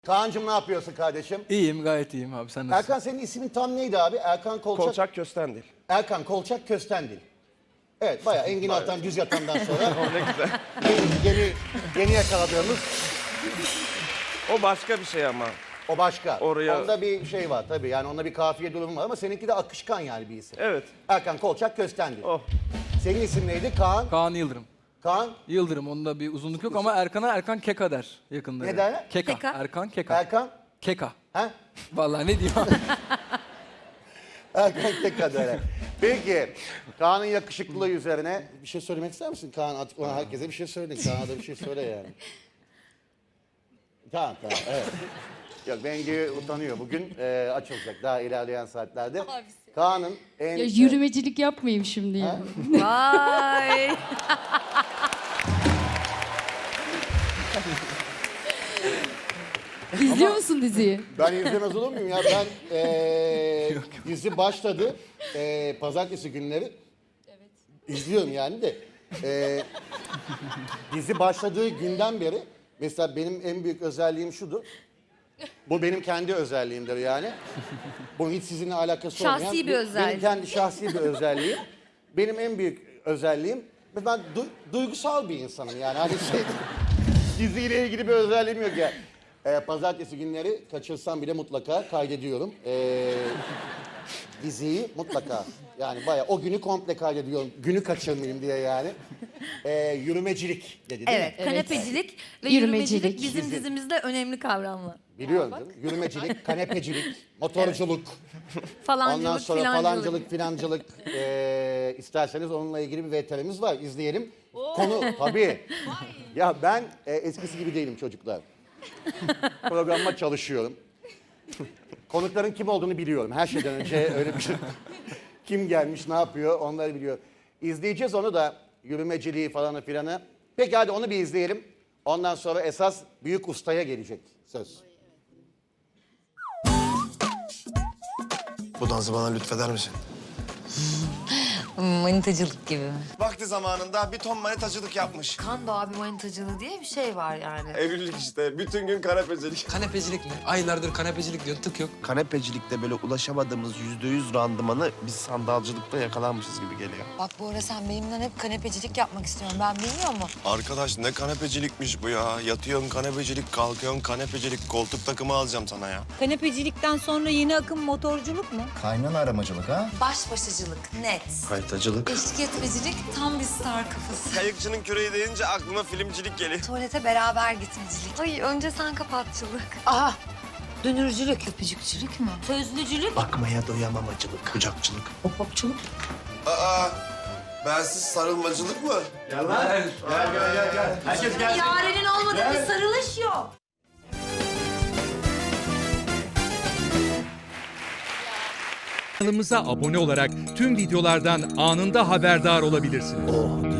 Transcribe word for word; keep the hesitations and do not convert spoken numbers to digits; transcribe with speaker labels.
Speaker 1: Kaan'cığım ne yapıyorsun kardeşim?
Speaker 2: İyiyim, gayet iyiyim abi. Sen nasılsın?
Speaker 1: Erkan senin ismin tam neydi abi? Erkan Kolçak.
Speaker 3: Kolçak Köstendil.
Speaker 1: Erkan Kolçak Köstendil. Evet bayağı Engin Altan düz yatandan sonra
Speaker 3: Ne güzel.
Speaker 1: yeni, yeni, yeni yakaladığımız
Speaker 3: O başka bir şey ama.
Speaker 1: o başka.
Speaker 3: Oraya-
Speaker 1: Onda bir şey var tabii yani onda bir kafiye durumu var ama seninki de akışkan yani bir isim.
Speaker 3: Evet.
Speaker 1: Erkan Kolçak Köstendil.
Speaker 3: Oh.
Speaker 1: Senin isim neydi? Kaan.
Speaker 2: Kaan Yıldırım.
Speaker 1: Kaan.
Speaker 2: Yıldırım, onda bir uzunluk yok ama Erkan'a Erkan Keka der yakında.
Speaker 1: Ne der?
Speaker 2: Keka.
Speaker 4: Keka.
Speaker 2: Erkan Keka.
Speaker 1: Erkan.
Speaker 2: Keka.
Speaker 1: Ha?
Speaker 2: Vallahi ne diyeyim abi?
Speaker 1: Erkan tek kadere. Peki Kaan'ın yakışıklılığı üzerine bir şey söylemek ister misin Kaan? Artık ona herkese bir şey söyle. Kaan'a da bir şey söyle yani. Tamam tamam evet. Yok Bengi utanıyor. Bugün e, açılacak daha ilerleyen saatlerde. Kaan'ın en...
Speaker 5: Ya yürümecilik yapmayayım şimdi ya.
Speaker 4: Vay.
Speaker 5: İzliyor musun diziyi?
Speaker 1: Ben izlemez olur muyum ya? Ben e, dizi başladı. E, pazartesi günleri. Evet. İzliyorum yani de. E, dizi başladığı günden beri mesela benim en büyük özelliğim şudur. Bu benim kendi özelliğimdir yani. Bu hiç sizinle alakası
Speaker 4: Şahsi
Speaker 1: olmayan.
Speaker 4: bir özellik.
Speaker 1: Benim kendi şahsi bir özelliğim. Benim en büyük özelliğim ve ben du- duygusal bir insanım yani. Hani şey diziyle ilgili bir özelliğim yok ya. Ee, pazartesi günleri kaçırsam bile mutlaka kaydediyorum. Ee, diziyi mutlaka. Yani bayağı o günü komple kaydediyorum. Günü kaçırmayayım diye yani. Ee, yürümecilik dedi değil
Speaker 4: Evet,
Speaker 1: mi?
Speaker 4: kanepecilik ve
Speaker 5: Yürümecilik.
Speaker 4: yürümecilik bizim
Speaker 1: Dizi.
Speaker 4: dizimizde önemli kavramlar.
Speaker 1: Biliyorum canım. Yürümecilik, kanepecilik, motorculuk.
Speaker 4: Falancılık,
Speaker 1: Ondan sonra
Speaker 4: filancılık.
Speaker 1: falancılık, filancılık ee, isterseniz onunla ilgili bir V T R'miz var. İzleyelim. Konu tabii. Ya ben e, eskisi gibi değilim çocuklar. Programıma çalışıyorum. Konukların kim olduğunu biliyorum. Her şeyden önce öyle bir şey. Kim gelmiş, ne yapıyor onları biliyor. İzleyeceğiz onu da yürümeciliği falanı filanı. Peki hadi onu bir izleyelim. Ondan sonra esas büyük ustaya gelecek söz.
Speaker 6: Bu dansı bana lütfeder misin?
Speaker 7: Manitacılık gibi mi?
Speaker 6: Vakti zamanında bir ton manitacılık yapmış.
Speaker 7: Kando abi manitacılığı diye bir şey var yani.
Speaker 6: Evlilik işte. Bütün gün kanepecilik.
Speaker 8: Kanepecilik mi? Aylardır kanepecilik diyor, tık yok.
Speaker 6: Kanepecilikte böyle ulaşamadığımız yüzde yüz randımanı biz sandalcılıkta yakalanmışız gibi geliyor.
Speaker 7: Bak bu ara sen benimle hep kanepecilik yapmak istiyorsun. Ben bilmiyor mu?
Speaker 6: Arkadaş ne kanepecilikmiş bu ya. Yatıyorsun kanepecilik, kalkıyorsun kanepecilik. Koltuk takımı alacağım sana ya.
Speaker 9: Kanepecilikten sonra yeni akım motorculuk mu?
Speaker 10: Kaynan aramacılık ha?
Speaker 7: Baş başacılık net.
Speaker 6: Kayıtacılık.
Speaker 7: Eşlik etmecilik tam bir star kafası.
Speaker 6: Kayıkçının küreği deyince aklıma filmcilik geliyor.
Speaker 7: Tuvalete beraber gitmecilik. Ay önce sen kapatçılık.
Speaker 9: Aha, dönürcülük,
Speaker 7: Öpücükçülük mü?
Speaker 9: sözlücülük,
Speaker 6: Bakmaya doyamamacılık, kucakçılık.
Speaker 9: hop hopçuluk.
Speaker 6: Aa, bensiz sarılmacılık mı?
Speaker 4: Yarenin olmadığı bir sarılış yok.
Speaker 11: Kanalımıza abone olarak tüm videolardan anında haberdar olabilirsiniz.